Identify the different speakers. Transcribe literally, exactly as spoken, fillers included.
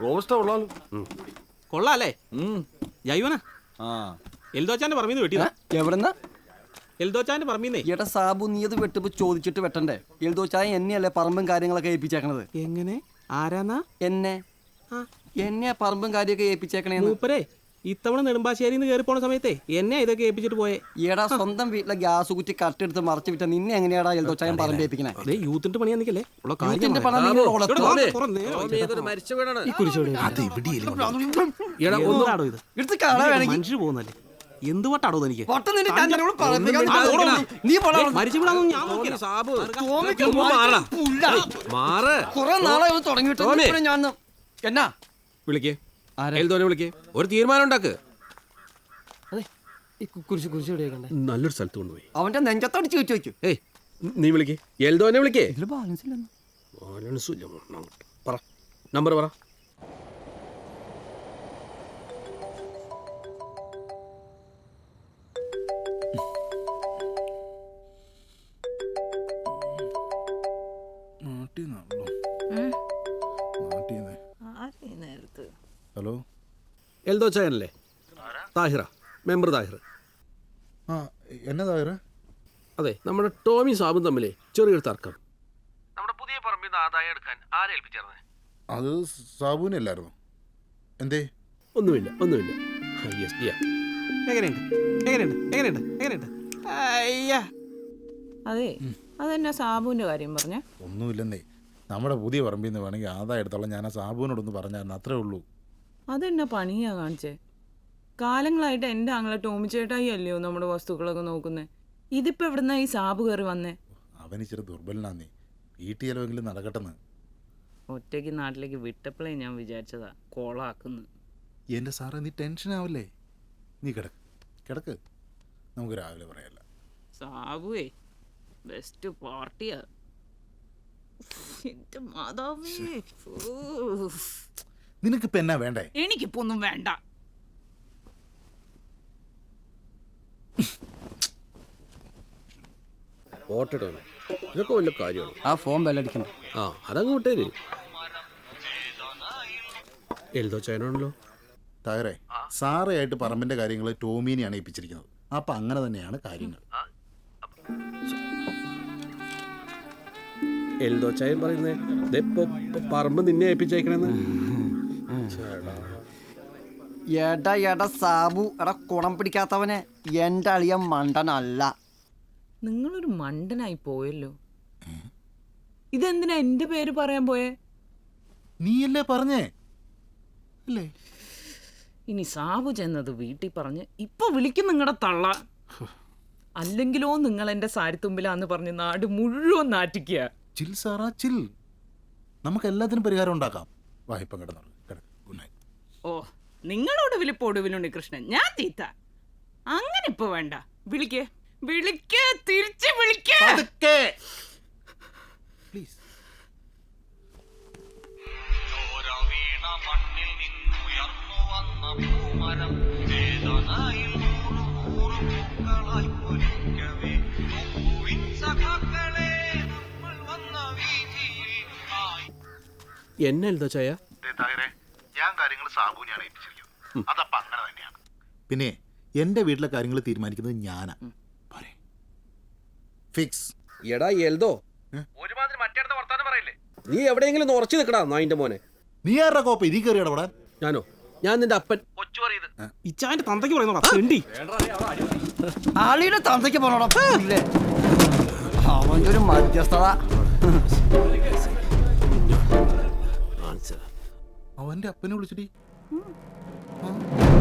Speaker 1: Robusta കൊള്ളാലോ.
Speaker 2: കൊള്ളാല്ലേ? ജൈവനാ എൽദോച്ചാന്റെ പറമ്പീന്ന് വെട്ടിയതാ.
Speaker 3: എവിടെന്നാ?
Speaker 2: എൽദോച്ചാന്റെ പറമ്പീന്നേ.
Speaker 3: എടാ സാബു, നീ അത് വെട്ടുമ്പോ ചോദിച്ചിട്ട് വെട്ടണ്ടേ? എൽദോച്ചായ എന്നെയല്ലേ പറമ്പും കാര്യങ്ങളൊക്കെ ഏൽപ്പിച്ചേക്കണത്.
Speaker 2: എങ്ങനെ? ആരാന്നാ?
Speaker 3: എന്നെ എന്നെയാ പറമ്പും കാര്യമൊക്കെ ഏൽപ്പിച്ചേക്കണേ.
Speaker 2: മൂപ്പരേ ഇത്തവണ നെടുമ്പാശ്ശേരിന്ന് കയറി പോണ സമയത്തെ എന്നെ ഇതൊക്കെ ഏൽപ്പിച്ചിട്ട് പോയെ.
Speaker 3: എടാ സ്വന്തം വീട്ടിലെ ഗ്യാസ് കുറ്റി കട്ടെടുത്ത് മറച്ചു വിട്ട നിന്നെ എങ്ങനെയാടാ എൽദോച്ചായം പറമ്പ് ഏൽപ്പിക്കണേ?
Speaker 2: യൂത്തിന്റെ പണിയാ നിക്കല്ലേ? മനുഷ്യർ പോകുന്നല്ലേ? എന്ത് വട്ടാടോ എനിക്ക്?
Speaker 3: കുറെ നാളെ തുടങ്ങിയിട്ട് ഞാൻ എന്നാ
Speaker 1: വിളിക്കേ എൽദോനെ വിളിക്കേ, ഒരു തീരുമാനം ഉണ്ടാക്ക്. നല്ലൊരു സ്ഥലത്ത് കൊണ്ടുപോയി
Speaker 3: അവന്റെ നെഞ്ചത്തോട് ചോദിച്ചു വെച്ചു.
Speaker 1: ഏയ് നീ വിളിക്കേ, എൽദോനെ വിളിക്കേ.
Speaker 3: ബാലൻസ് ഇല്ല.
Speaker 1: ബാലൻസ് ഇല്ല. പറ, നമ്പർ പറ.
Speaker 4: ഹലോ,
Speaker 1: എൽദോ ചായനല്ലേ? താഹിറ, മെമ്പർ താഹിർ.
Speaker 4: ആ എന്നാ താഹിറ?
Speaker 1: അതെ, നമ്മുടെ ടോമി സാബും തമ്മിലേ ചെറിയൊരു തർക്കം. നമ്മുടെ പുതിയ പറമ്പിൽ നിന്ന് ആദായം എടുക്കാൻ ആരെ ഏൽപ്പിച്ചേർന്നേ?
Speaker 4: അത് സാബുവിനെ അല്ലായിരുന്നു. എന്തേ?
Speaker 1: ഒന്നുമില്ല ഒന്നുമില്ല.
Speaker 2: എങ്ങനെയുണ്ട് എങ്ങനെയുണ്ട് എങ്ങനെയുണ്ട് എങ്ങനെയുണ്ട്?
Speaker 5: അതെ, അതെന്നാ സാബുവിന്റെ കാര്യം പറഞ്ഞ?
Speaker 4: ഒന്നുമില്ലെന്നേ, നമ്മുടെ പുതിയ പറമ്പിൽ നിന്ന് വേണമെങ്കിൽ ആദായം എടുത്തോളാം. ഞാൻ ആ സാബുവിനോടൊന്ന് പറഞ്ഞായിരുന്നു, അത്രേ ഉള്ളൂ.
Speaker 5: അതെന്നാ പണിയാ കാണിച്ചേ? കാലങ്ങളായിട്ട് എൻ്റെ ആങ്ങളെ ടോമി ചേട്ടായി അല്ലയോ നമ്മുടെ വസ്തുക്കളൊക്കെ നോക്കുന്നേ. ഇതിപ്പോ എവിടുന്നാ ഈ സാബു കയറി വന്നേ?
Speaker 4: അവൻ ഇച്ചിരി ദുർബലനാന്നേ, വീട്ടിൽ ചിലവെങ്കിലും നടക്കട്ടെന്ന്.
Speaker 5: ഒറ്റയ്ക്ക് നാട്ടിലേക്ക് വിട്ടപ്പോഴേ ഞാൻ വിചാരിച്ചതാ കോളാക്കുന്നു.
Speaker 4: എൻ്റെ സാറേ, നീ ടെൻഷൻ ആവല്ലേ? നീ കിടക്ക് കിടക്ക്, നമുക്ക് രാവിലെ പറയാല്ല.
Speaker 5: സാബുവേ ബെസ്റ്റ് പാർട്ടിയാ. എന്റെ മാതാവേ,
Speaker 4: നിനക്കിപ്പോ എന്നാ വേണ്ടേ?
Speaker 5: എനിക്കിപ്പോ ഒന്നും വേണ്ട.
Speaker 1: ഇതൊക്കെ വല്ല കാര്യമാണ്.
Speaker 3: ആ ഫോൺ ബെല്ലടിക്കണം.
Speaker 1: ആ അതങ്ങ് വിട്ടേര്. എൽദോ ചായനാണല്ലോ.
Speaker 4: തായറേ, സാറയായിട്ട് പറമ്പിന്റെ കാര്യങ്ങൾ ടോമീനെയാണ് ഏൽപ്പിച്ചിരിക്കുന്നത്. അപ്പൊ അങ്ങനെ തന്നെയാണ് കാര്യങ്ങൾ.
Speaker 1: എൽദോ ചായൻ പറയുന്നേ പറമ്പ് നിന്നെ ഏൽപ്പിച്ചേക്കണെന്ന്.
Speaker 3: എടാ എടാ സാബു, എടാ കുണം പിടിക്കാത്തവനെ, എൻ്റെ അളിയൻ മണ്ടനല്ല.
Speaker 5: നിങ്ങളൊരു മണ്ടനായി പോയല്ലോ. ഇതെന്തിനാ എന്റെ പേര് പറയാൻ പോയേ?
Speaker 4: നീയല്ലേ പറഞ്ഞേ അല്ലേ?
Speaker 5: ഇനി സാബു ചെന്നത് വീട്ടിൽ പറഞ്ഞ് ഇപ്പൊ വിളിക്കും നിങ്ങളുടെ തള്ള. അല്ലെങ്കിലോ നിങ്ങൾ എന്റെ സാരിത്തുമ്പിലാന്ന് പറഞ്ഞ് നാട് മുഴുവൻ നാറ്റിക്കുക.
Speaker 4: ചിൽ സാറാ ചിൽ, നമുക്ക് എല്ലാത്തിനും പരിഹാരം ഉണ്ടാക്കാം. വായ്പ കിടന്നു കിടക്ക്. Good night.
Speaker 5: ഓ, നിങ്ങളോട് വിളിപ്പ് ഒടുവിലുണ്ട് കൃഷ്ണൻ, ഞാൻ തീത്ത. അങ്ങനെ ഇപ്പൊ വേണ്ട. വിളിക്കേ വിളിക്കേ തിരിച്ച് വിളിക്കേ
Speaker 4: പ്ലീസ്.
Speaker 1: എന്നെ എൽദോ ചായ?
Speaker 4: ഞാൻ കാര്യങ്ങൾ സാബുവിനെയാണ് ഏൽപ്പിച്ചിരിക്കുന്നത്. അതപ്പോ അങ്ങനെ തന്നെയാണ്. പിന്നെ എന്റെ വീട്ടിലെ കാര്യങ്ങൾ തീരുമാനിക്കുന്നത് ഞാനാ. ഫിക്സ്.
Speaker 1: എടാ എൽദോ, ഒരുമാതിരി മറ്റേടത്തെ വർത്താനം പറയില്ലേ? നീ എവിടെയെങ്കിലും ഉറച്ചു നിൽക്കടാ നായിന്റെ മോനെ.
Speaker 4: നീ ആരുടെ കോപ്പ ഇതിൽ കയറി ഇടപെടാൻ?
Speaker 1: ഞാനോ? ഞാൻ നിന്റെ അപ്പൻ.
Speaker 2: ഇച്ചാന്റെ തന്തയ്ക്ക് പറയുന്നോ?
Speaker 3: ആളിയുടെ തന്തയ്ക്ക് പോണോടാ. അവന്റെ ഒരു മധ്യസ്ഥത.
Speaker 4: അവന്റെ അപ്പനെ വിളിച്ചിട്ട്